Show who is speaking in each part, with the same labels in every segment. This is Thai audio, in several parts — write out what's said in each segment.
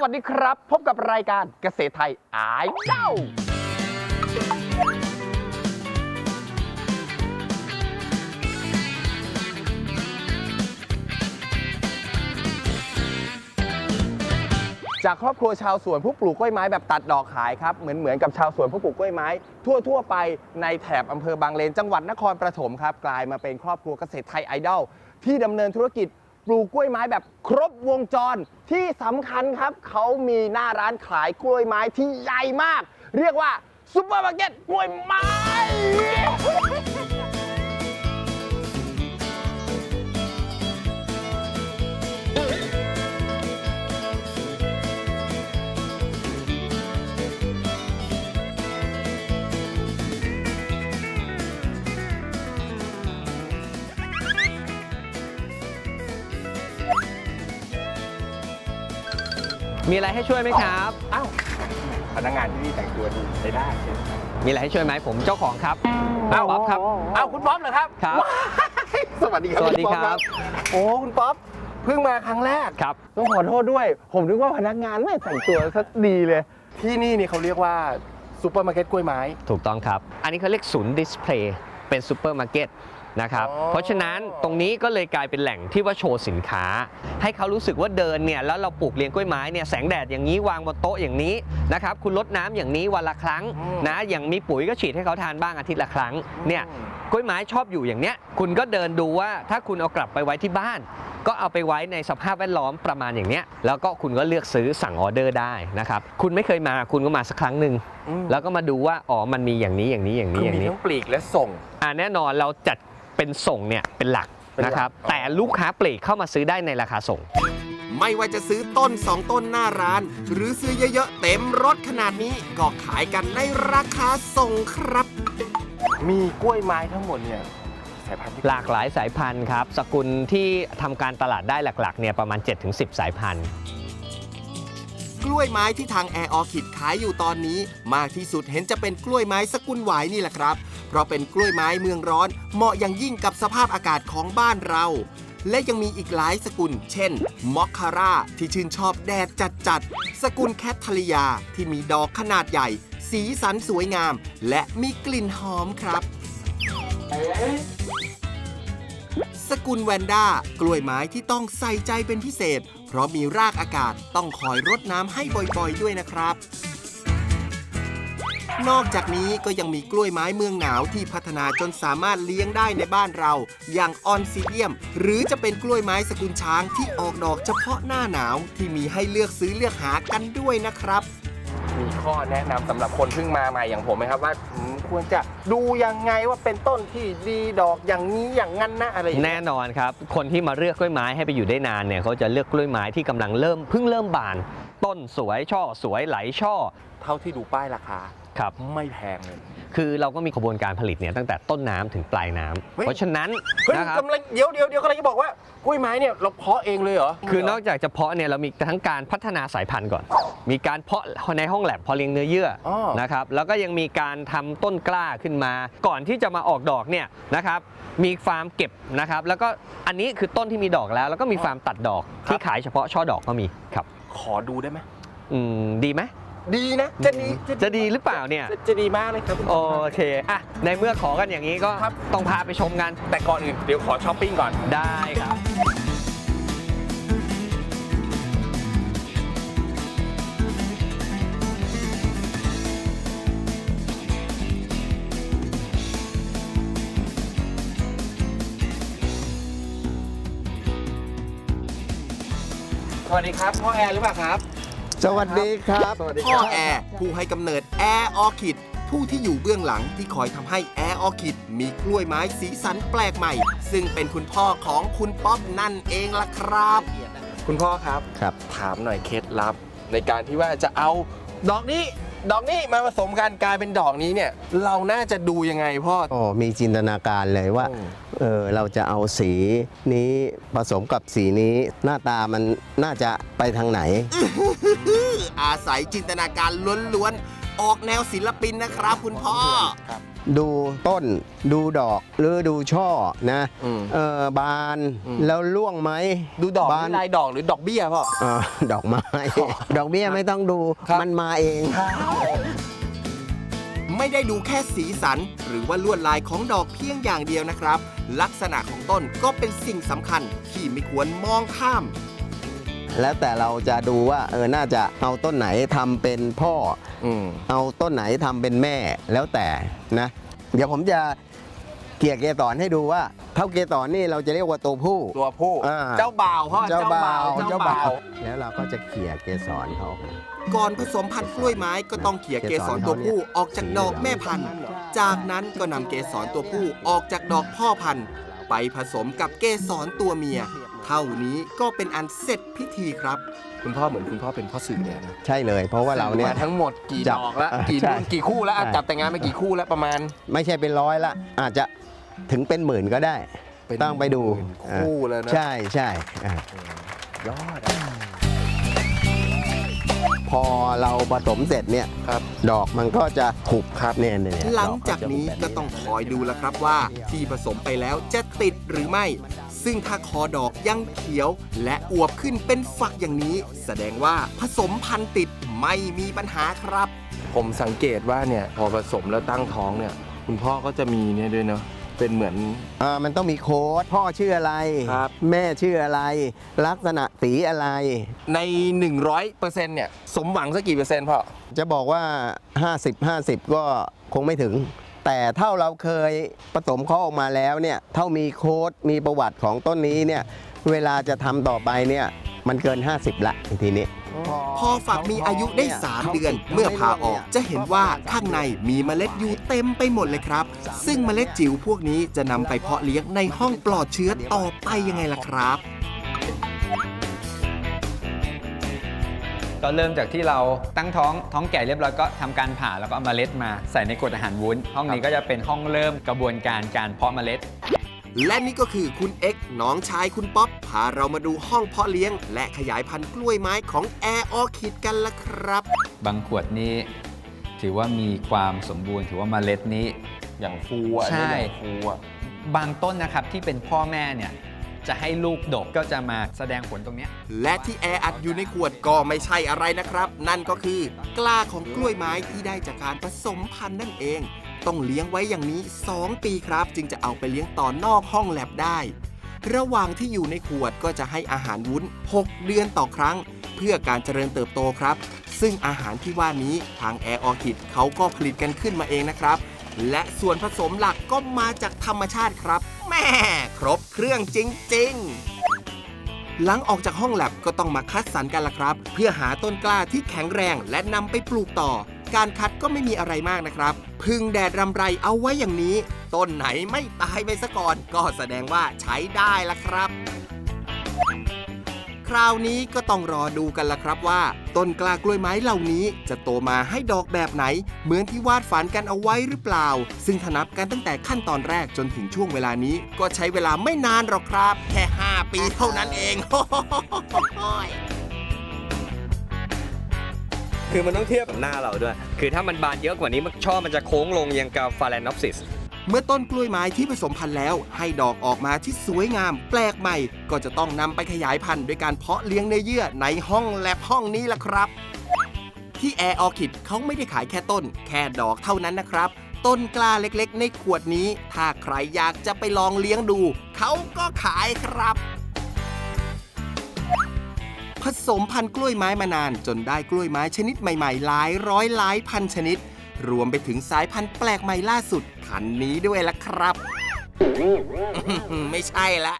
Speaker 1: วัสดีครับพบกับรายการเกษตรไทยอ้ายเจ้าจากครอบครัวชาวสวนผู้ปลูกกล้วยไม้แบบตัดดอกขายครับเหมือนกับชาวสวนผู้ปลูกกล้วยไม้ทั่วไปในแถบอำเภอบางเลนจังหวัดนครปฐมครับกลายมาเป็นครอบครัวเกษตรไทยไอดอลที่ดำเนินธุรกิจปลูกกล้วยไม้แบบครบวงจรที่สำคัญครับเขามีหน้าร้านขายกล้วยไม้ที่ใหญ่มากเรียกว่าซุปเปอร์มาร์เก็ตกล้วยไม้
Speaker 2: มีอะไรให้ช่วยไหมครับ
Speaker 1: อ้าวพนักงานที่นี่แต่งตัวดีใช้ได้ใช่ไหม
Speaker 2: มีอะไรให้ช่วยไหมผมเจ้าของครับ
Speaker 1: อ้าว
Speaker 2: ป๊อปครับ
Speaker 1: อ้าวคุณป๊อปเหรอครับ
Speaker 2: ครับ
Speaker 1: ว้ายสวัสดีครับ
Speaker 2: สวัสดี
Speaker 1: ณป๊อป
Speaker 2: ครับ
Speaker 1: โอ้คุณป๊อปเพิ่งมาครั้งแรก
Speaker 2: ครับ
Speaker 1: ต้องขอโทษด้วย ผมนึกว่าพนักงานไม่แต่งตัวซะดีเลย ที่นี่เขาเรียกว่าซูเปอร์มาร์เก็ตกล้วยไม้
Speaker 2: ถูกต้องครับ อันนี้เขาเรียกศูนย์ดิสเพลย์เป็นซูเปอร์มาร์เก็ตนะครับ
Speaker 1: อ๋อ
Speaker 2: เพราะฉะนั้นตรงนี้ก็เลยกลายเป็นแหล่งที่ว่าโชว์สินค้า ให้เขารู้สึกว่าเดินเนี่ยแล้วเราปลูกเลี้ยงกล้วยไม้เนี่ยแสงแดดอย่างนี้วางบนโต๊ะอย่างนี้นะครับคุณรดน้ำอย่างนี้วันละครั้งนะอย่างมีปุ๋ยก็ฉีดให้เขาทานบ้างอาทิตย์ละครั้งเนี่ยกล้วยไม้ชอบอยู่อย่างเนี้ยคุณก็เดินดูว่าถ้าคุณเอากลับไปไว้ที่บ้าน ก็เอาไปไว้ในสภาพแวดล้อมประมาณอย่างเนี้ยแล้วก็คุณก็เลือกซื้อสั่งออเดอร์ได้นะครับคุณไม่เคยมาคุณก็มาสักครั้งหนึ่งแล้วก็มาดูว่าอ๋อมันมีอย่างนี้อย่างนี้อย่างนี้
Speaker 1: คือ
Speaker 2: อย่าง
Speaker 1: มี
Speaker 2: นี้
Speaker 1: ทั้งปลีกและส่ง
Speaker 2: แน่นอนเราจัดเป็นส่งเนี่ยเป็นหลัก
Speaker 1: เป็นหลัก
Speaker 2: นะครับ
Speaker 1: อ๋อ
Speaker 2: แต่ลูกค้าปลีกเข้ามาซื้อได้ในราคาส่ง
Speaker 3: ไม่ว่าจะซื้อต้น 2 ต้นหน้าร้าน หรือซื้อเยอะๆ เต็มรถขนาดนี้ก็ขายกันในราคาส่งครับ
Speaker 1: มีกล้วยไม้ทั้งหมดเนี่ยสายพันธุ์ที่
Speaker 2: หลากหลายสายพันธุ์ครับสกุลที่ทำการตลาดได้หลักๆเนี่ยประมาณ 7-10 สายพันธุ์
Speaker 3: กล้วยไม้ที่ทางแอร์ออคิดขายอยู่ตอนนี้ มากที่สุดเห็นจะเป็นกล้วยไม้สกุลหวายนี่แหละครับ เพราะเป็นกล้วยไม้เมืองร้อน เหมาะอย่างยิ่งกับสภาพอากาศของบ้านเรา และยังมีอีกหลายสกุล เช่น มอคคาร่าที่ชื่นชอบแดดจัดๆ สกุลแคททาริยาที่มีดอกขนาดใหญ่ สีสันสวยงาม และมีกลิ่นหอมครับ สกุลแวนด้ากล้วยไม้ที่ต้องใส่ใจเป็นพิเศษ เพราะมีรากอากาศต้องคอยรดน้ำให้บ่อยๆด้วยนะครับ นอกจากนี้ก็ยังมีกล้วยไม้เมืองหนาวที่พัฒนาจนสามารถเลี้ยงได้ในบ้านเรา อย่างออนซิเดียม หรือจะเป็นกล้วยไม้สกุลช้างที่ออกดอกเฉพาะหน้าหนาวที่มีให้เลือกซื้อเลือกหากันด้วยนะครับ
Speaker 1: มีข้อแนะนำสำหรับคนเพิ่งมาใหม่อย่างผมไหมครับว่าควรจะดูยังไงว่าเป็นต้นที่ดีดอกอย่างนี้อย่างนั้นนะอะไรอย่างเงี้ย
Speaker 2: แน่นอนครับคนที่มาเลือกกล้วยไม้ให้ไปอยู่ได้นานเนี่ยเขาจะเลือกกล้วยไม้ที่กำลังเพิ่งเริ่มบาน ต้นสวยช่อสวยไหลช่อ
Speaker 1: เท่าที่ดูป้ายราคา
Speaker 2: ครับ
Speaker 1: ไม่แพงเลย
Speaker 2: คือเราก็มีกระบวนการผลิตเนี่ยตั้งแต่ต้นน้ำถึงปลายน้ำ
Speaker 1: เฮ้ย
Speaker 2: เพราะฉะนั้น
Speaker 1: เฮ้ย
Speaker 2: นะครับ
Speaker 1: กำลังเดี๋ยวกำลังจะบอกว่ากล้วยไม้เนี่ยเราเพาะเองเลยเหรอ
Speaker 2: คือนอกจากจะเพาะเนี่ยเรามีทั้งการพัฒนาสายพันธุ์ก่อน มีการเพาะในห้องแลบเพาะเลี้ยงเนื้อเยื่ออนะครับแล้วก็ยังมีการทำต้นกล้าขึ้นมา ก่อนที่จะมาออกดอกเนี่ยนะครับมีฟาร์มเก็บนะครับแล้วก็อันนี้คือต้นที่มีดอกแล้วก็มีฟาร์มตัดดอกที่ขายเฉพาะช่อดอกก็มีครับ
Speaker 1: ขอดูได้ไหม
Speaker 2: ดีไหม
Speaker 1: ดีนะจะดี
Speaker 2: จะดีหรือเปล่าเนี่ย
Speaker 1: จะดีมากเลยครับ
Speaker 2: โอเคอ่ะในเมื่อขอกันอย่างนี้ก็
Speaker 1: ครับ
Speaker 2: ต้องพาไปชมกัน
Speaker 1: แต่ก่อนอื่นเดี๋ยวขอช้อปปิ้งก่อน
Speaker 2: ได้ครับ
Speaker 1: สวัสดีครับพ่อแอร์หรือเปล่าครับ
Speaker 4: สวัสดีครับ
Speaker 1: สวัสดี
Speaker 3: พ่อแอร์ผู้ให้กำเนิดแอร์ออคิดผู้ที่อยู่เบื้องหลังที่คอยทำให้แอร์ออคิดมีกล้วยไม้สีสันแปลกใหม่ ซึ่งเป็นคุณพ่อของคุณป๊อปนั่นเองล่ะครับ
Speaker 1: คุณพ่อครับ
Speaker 4: ครับ
Speaker 1: ถามหน่อยเคล็ดลับ ในการที่ว่าจะเอาดอกนี้มาผสมกันกลายเป็นดอกนี้เนี่ย เราน่าจะดูยังไงพ่อ
Speaker 4: โอ้มีจินตนาการเลยว่า
Speaker 1: อืม
Speaker 4: เราจะเอาสีนี้ผสมกับสีนี้หน้าตามันน่าจะไปทางไหน
Speaker 3: อาศัยจินตนาการล้วนๆออกแนวศิลปินนะครับคุณพ่อ
Speaker 4: ดูต้นดูดอกหรือดูช่อนะ บานแล้วร่วงไหม
Speaker 1: ดูดอก
Speaker 4: บาน
Speaker 1: ลายดอกหรือดอกเบี้ยพ่อ
Speaker 4: ดอกไม้ ดอกเบี้ยไม่ต้องดู
Speaker 1: ครับ
Speaker 4: มันมาเอง
Speaker 3: ไม่ได้ดูแค่สีสัน หรือว่าลวดลายของดอกเพียงอย่างเดียวนะครับ ลักษณะของต้นก็เป็นสิ่งสำคัญที่ไม่ควรมองข้าม
Speaker 4: แล้วแต่เราจะดูว่าน่าจะเอาต้นไหนทำเป็นพ่อ เอาต้นไหนทำเป็นแม่แล้วแต่นะ เดี๋ยวผมจะเกลี่ยเกสรให้ดูว่าเท่าเกสรนี่เราจะเรียกว่าตัวผู้
Speaker 1: ตัวผู้
Speaker 4: อ่า
Speaker 1: เจ้าบ่าวพ่อ
Speaker 4: เจ้าบ่าว
Speaker 1: เจ้าบ่าว
Speaker 4: แล้วเราก็จะเกลี่ยเกสรเขาออกมา
Speaker 3: ก่อนผสมพันธุ์กล้วยไม้ก็ต้องเขี่ยเกสรตัวผู้ออกจากดอกแม่พันธุ์ จากนั้นก็นำเกสรตัวผู้ออกจากดอกพ่อพันธุ์ ไปผสมกับเกสรตัวเมีย เท่านี้ก็เป็นอันเสร็จพิธีครับ
Speaker 1: คุณพ่อเหมือนคุณพ่อเป็นพ่อสื่อเนี่ยนะ
Speaker 4: ใช่เลย เพราะว่าเราเนี่ย
Speaker 1: มาทั้งหมดกี่
Speaker 4: จั
Speaker 1: ด
Speaker 4: บ
Speaker 1: อกแล้วกี่
Speaker 4: ใช่
Speaker 1: รุ่นกี่คู่แล้วอ่ะ
Speaker 4: ใช่
Speaker 1: จับแต่งงานไปกี่คู่แล้วประมาณ
Speaker 4: ไม่ใช่เป็นร้อยละ อาจจะถึงเป็นหมื่นก็ได้
Speaker 1: เป็น
Speaker 4: ต้องไปดู
Speaker 1: หมื่นคู่เลยนะ
Speaker 4: ใช่ใช่อ่ะ
Speaker 1: ยอดอ่ะ
Speaker 4: พอเราผสมเสร็จเนี่ย
Speaker 1: ครับ
Speaker 4: ดอกมันก็จะถูกครับเนี่ย
Speaker 3: หลังจากนี้ก็ต้องคอยดูแล้วครับว่าที่ผสมไปแล้วจะติดหรือไม่ ซึ่งถ้าคอดอกยังเขียวและอวบขึ้นเป็นฝักอย่างนี้ แสดงว่าผสมพันธุ์ติดไม่มีปัญหาครับ
Speaker 1: ผมสังเกตว่าเนี่ยพอผสมแล้วตั้งท้องเนี่ย คุณพ่อก็จะมีเนี่ยด้วยเนาะเป็นเหมือน
Speaker 4: มันต้องมีโค้ดพ่อชื่ออะไร
Speaker 1: ครับ
Speaker 4: แม่ชื่ออะไร ลักษณะสีอะไร
Speaker 1: ใน 100%เนี่ยสมหวังสักกี่เปอร์เซ็นต์พ่อ
Speaker 4: จะบอกว่า 50 ก็คงไม่ถึง แต่เท่าเราเคยผสมเขาออกมาแล้วเนี่ยเท่ามีโค้ดมีประวัติของต้นนี้เนี่ยเวลาจะทำต่อไปเนี่ยมันเกิน 50 ละทีนี้
Speaker 3: พอฝักมีอายุได้ 3 เดือน เมื่อผ่าออกจะเห็นว่าข้างในมีเมล็ดอยู่เต็มไปหมดเลยครับ ซึ่งเมล็ดจิ๋วพวกนี้จะนำไปเพาะเลี้ยงในห้องปลอดเชื้อต่อไปยังไงล่ะครับ
Speaker 5: ก็เริ่มจากที่เราตั้งท้องแก่เรียบร้อยก็ทำการผ่าแล้วก็เอาเมล็ดมาใส่ในกรดอาหารวุ้น ห้องนี้ก็จะเป็นห้องเริ่มกระบวนการเพาะเมล็ด
Speaker 3: และนี่ก็คือคุณเอ็กซ์น้องชายคุณป๊อปพาเรามาดูห้องเพาะเลี้ยง และขยายพันธุ์กล้วยไม้ของแอร์ออคิดกันละครับ
Speaker 5: บางขวดนี้ถือว่ามีความสมบูรณ์ถือว่าเมล็ดนี้
Speaker 1: อย่างฟูอ่ะ
Speaker 5: ใช่
Speaker 1: อย่างฟูอ่ะ
Speaker 5: บางต้นนะครับที่เป็นพ่อแม่เนี่ยจะให้ลูกดกก็จะมาแสดงผลตรงเนี้ย
Speaker 3: และที่แออัดอยู่ในขวดก็ไม่ใช่อะไรนะครับ นั่นก็คือกล้าของกล้วยไม้ที่ได้จากการผสมพันธุ์นั่นเอง ต้องเลี้ยงไว้อย่างนี้ 2 ปีครับ จึงจะเอาไปเลี้ยงต่อนอกห้องแลบได้ ระหว่างที่อยู่ในขวดก็จะให้อาหารวุ้น 6 เดือนต่อครั้ง เพื่อการเจริญเติบโตครับ ซึ่งอาหารที่ว่านี้ทางแอร์ออคิดเขาก็ผลิตกันขึ้นมาเองนะครับ และส่วนผสมหลักก็มาจากธรรมชาติครับแม่ครบเครื่องจริงๆ หลังออกจากห้องแลบก็ต้องมาคัดสรรกันละครับ เพื่อหาต้นกล้าที่แข็งแรงและนำไปปลูกต่อ การคัดก็ไม่มีอะไรมากนะครับ พึ่งแดดรำไรเอาไว้อย่างนี้ ต้นไหนไม่ตายไปซะก่อน ก็แสดงว่าใช้ได้ละครับ คราวนี้ก็ต้องรอดูกันละครับว่า ต้นกล้ากล้วยไม้เหล่านี้จะโตมาให้ดอกแบบไหน เหมือนที่วาดฝันกันเอาไว้หรือเปล่า ซึ่งถ้านับกันตั้งแต่ขั้นตอนแรกจนถึงช่วงเวลานี้ ก็ใช้เวลาไม่นานหรอกครับ แค่ 5 ปีเท่านั้นเอง
Speaker 2: คือมันต้องเทียบกับหน้าเราด้วย คือถ้ามันบานเยอะกว่านี้ช่อมันจะโค้งลงยังกับฟาแลนอปซิส
Speaker 3: เมื่อต้นกล้วยไม้ที่ผสมพันธุ์แล้ว ให้ดอกออกมาที่สวยงาม แปลกใหม่ ก็จะต้องนำไปขยายพันธุ์ด้วยการเพาะเลี้ยงเนื้อเยื่อในห้องแลบห้องนี้ล่ะครับ ที่แอร์ออคิดเขาไม่ได้ขายแค่ต้น แค่ดอกเท่านั้นนะครับ ต้นกล้าเล็กๆ ในขวดนี้ ถ้าใครอยากจะไปลองเลี้ยงดู เขาก็ขายครับ ผสมพันธุ์กล้วยไม้มานานจนได้กล้วยไม้ชนิดใหม่ๆ หลายร้อยหลายพันชนิด รวมไปถึงสายพันธุ์แปลกใหม่ล่าสุดคันนี้ด้วยล่ะครับ ไม่ใช่ละ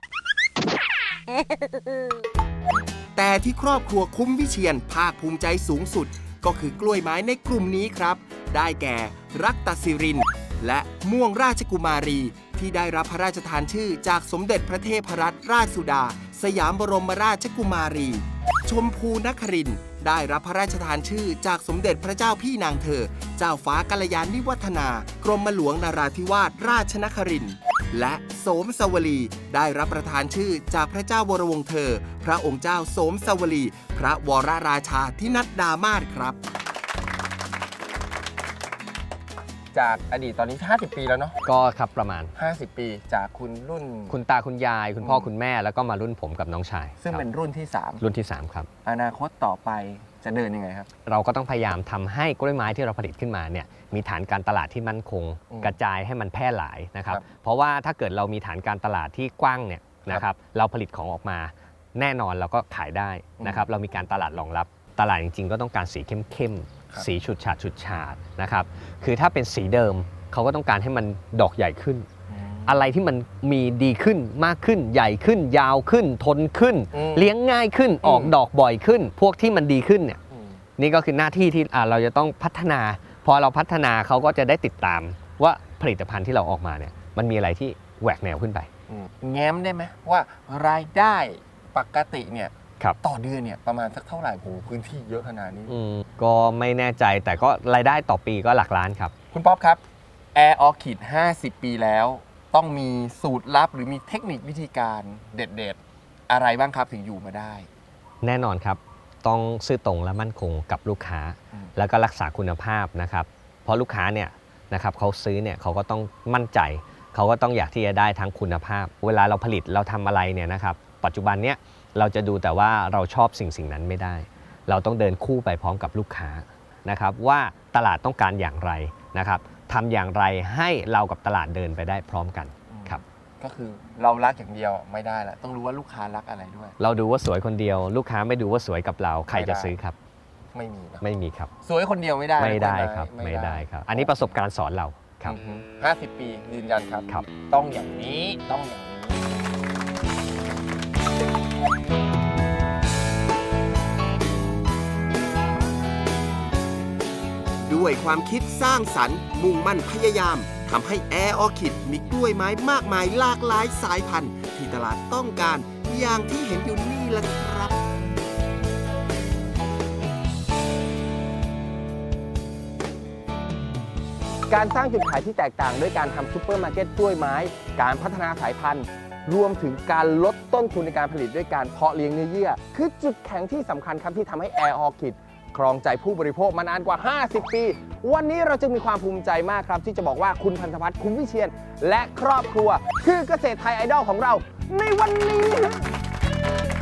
Speaker 3: แต่ที่ครอบครัวคุ้มวิเชียรภาคภูมิใจสูงสุด ก็คือกล้วยไม้ในกลุ่มนี้ครับ ได้แก่รักตศิรินทร์และม่วงราชกุมารี ที่ได้รับพระราชทานชื่อจากสมเด็จพระเทพรัตนราชสุดา สยามบรมราชกุมารี ชมพูนครินทร์ได้รับพระราชทานชื่อจากสมเด็จพระเจ้าพี่นางเธอ เจ้าฟ้ากัลยาณิวัฒนา กรมหลวงนราธิวาสราชนครินทร์และโสมสวลีได้รับประทานชื่อจากพระเจ้าวรวงศ์เธอ พระองค์เจ้าโสมสวลี พระวรราชาธินัดดามาศครับ
Speaker 1: จากอดีตตอนนี้50 ปีแล้วเนาะ
Speaker 2: ก็ครับประมาณ
Speaker 1: 50 ปีจากคุณรุ่น
Speaker 2: คุณตาคุณยาย คุณพ่อ
Speaker 1: อืม
Speaker 2: คุณแม่แล้วก็มารุ่นผมกับน้องชาย
Speaker 1: ซึ่ง
Speaker 2: ครับ
Speaker 1: เป็นรุ่นที่
Speaker 2: รุ่นที่ 3 ครับ
Speaker 1: 3 อนาคตต่อไปจะเดินยังไงครับ
Speaker 2: เราก็ต้องพยายามทำให้กล้วยไม้ที่เราผลิตขึ้นมาเนี่ยมีฐานการตลาดที่มั่นคง
Speaker 1: อืม
Speaker 2: กระจายให้มันแพร่หลายนะครับ
Speaker 1: ครับ
Speaker 2: เพราะว่าถ้าเกิดเรามีฐานการตลาดที่กว้างเนี่ยนะครับเราผลิตของออกมาแน่นอนเราก็ขายได้นะครับเรามีการตลาดรองรับตลาดจริงๆ ก็ต้องการสีเข้ม
Speaker 1: ครับ
Speaker 2: ๆสีฉูดฉาดนะครับคือถ้าเป็นสีเดิมเขาก็ต้องการให้มันดอกใหญ่ขึ้น อะไรที่มันมีดีขึ้นมากขึ้นใหญ่ขึ้น ยาวขึ้น ทนขึ้น
Speaker 1: อืม
Speaker 2: เลี้ยงง่ายขึ้นออกดอกบ่อยขึ้น พวกที่มันดีขึ้นเนี่ย
Speaker 1: อืม
Speaker 2: นี่ก็คือหน้าที่ที่เราจะต้องพัฒนา พอเราพัฒนาเขาก็จะได้ติดตามว่าผลิตภัณฑ์ที่เราออกมาเนี่ยมันมีอะไรที่แหวกแนวขึ้นไป
Speaker 1: แง้มได้ไหมว่ารายได้ปกติเนี่ย
Speaker 2: ครับ
Speaker 1: ต่อเดือนเนี่ยประมาณสักเท่าไหร่โหพื้นที่เยอะขนาดนี้
Speaker 2: ก็ไม่แน่ใจแต่ก็รายได้ต่อปีก็หลักล้านครับ
Speaker 1: คุณป๊อปครับ Air Orchid 50 ปีแล้ว ต้องมีสูตรลับหรือมีเทคนิควิธีการเด็ดๆ อะไรบ้างครับถึงอยู่มาได้
Speaker 2: แน่นอนครับต้องซื่อตรงและมั่นคงกับลูกค้า
Speaker 1: อืม
Speaker 2: แล้วก็รักษาคุณภาพนะครับเพราะลูกค้าเนี่ยนะครับเขาซื้อเนี่ยเขาก็ต้องมั่นใจ เขาก็ต้องอยากที่จะได้ทั้งคุณภาพ เวลาเราผลิตเราทำอะไรเนี่ยนะครับปัจจุบันเนี่ยเราจะดูแต่ว่าเราชอบสิ่งนั้นไม่ได้ เราต้องเดินคู่ไปพร้อมกับลูกค้านะครับว่าตลาดต้องการอย่างไรนะครับทำอย่างไรให้เรากับตลาดเดินไปได้พร้อมกันครับ
Speaker 1: ก็คือเรารักอย่างเดียวไม่ได้ละต้องรู้ว่าลูกค้ารักอะไรด้วย
Speaker 2: เราดูว่าสวยคนเดียว ลูกค้าไม่ดูว่าสวยกับเราใครจะซื้อครับ
Speaker 1: ไม่มีนะ
Speaker 2: ไม่มีครับ
Speaker 1: สวยคนเดียวไม่ได้
Speaker 2: ไม่ได้
Speaker 1: กล้วย
Speaker 2: ครับ
Speaker 1: ไม่
Speaker 2: ไม่ได้ครับ อันนี้ประสบการณ์สอนเราครับ
Speaker 1: อือฮึ50 ปียืนยันครับ
Speaker 2: ครับ
Speaker 1: ต้องอย่างนี้ต้องอย่างนี้
Speaker 3: ด้วยความคิดสร้างสรรค์มุ่งมั่นพยายามทำให้แอร์ออคิดมีกล้วยไม้มากมายหลากหลายสายพันธุ์ ที่ตลาดต้องการอย่างที่เห็นอยู่นี่แหละครับ
Speaker 1: การสร้างจุดขายที่แตกต่างด้วยการทำซูเปอร์มาร์เก็ตกล้วยไม้ การพัฒนาสายพันธุ์ รวมถึงการลดต้นทุนในการผลิตด้วยการเพาะเลี้ยงเนื้อเยื่อ คือจุดแข็งที่สำคัญครับที่ทำให้ Air Orchid ครองใจผู้บริโภคมานานกว่า 50 ปี วันนี้เราจึงมีความภูมิใจมากครับ ที่จะบอกว่าคุณพันธวัฒน์คุณวิเชียน และครอบครัว คือเกษตรไทยไอดอลของเราในวันนี้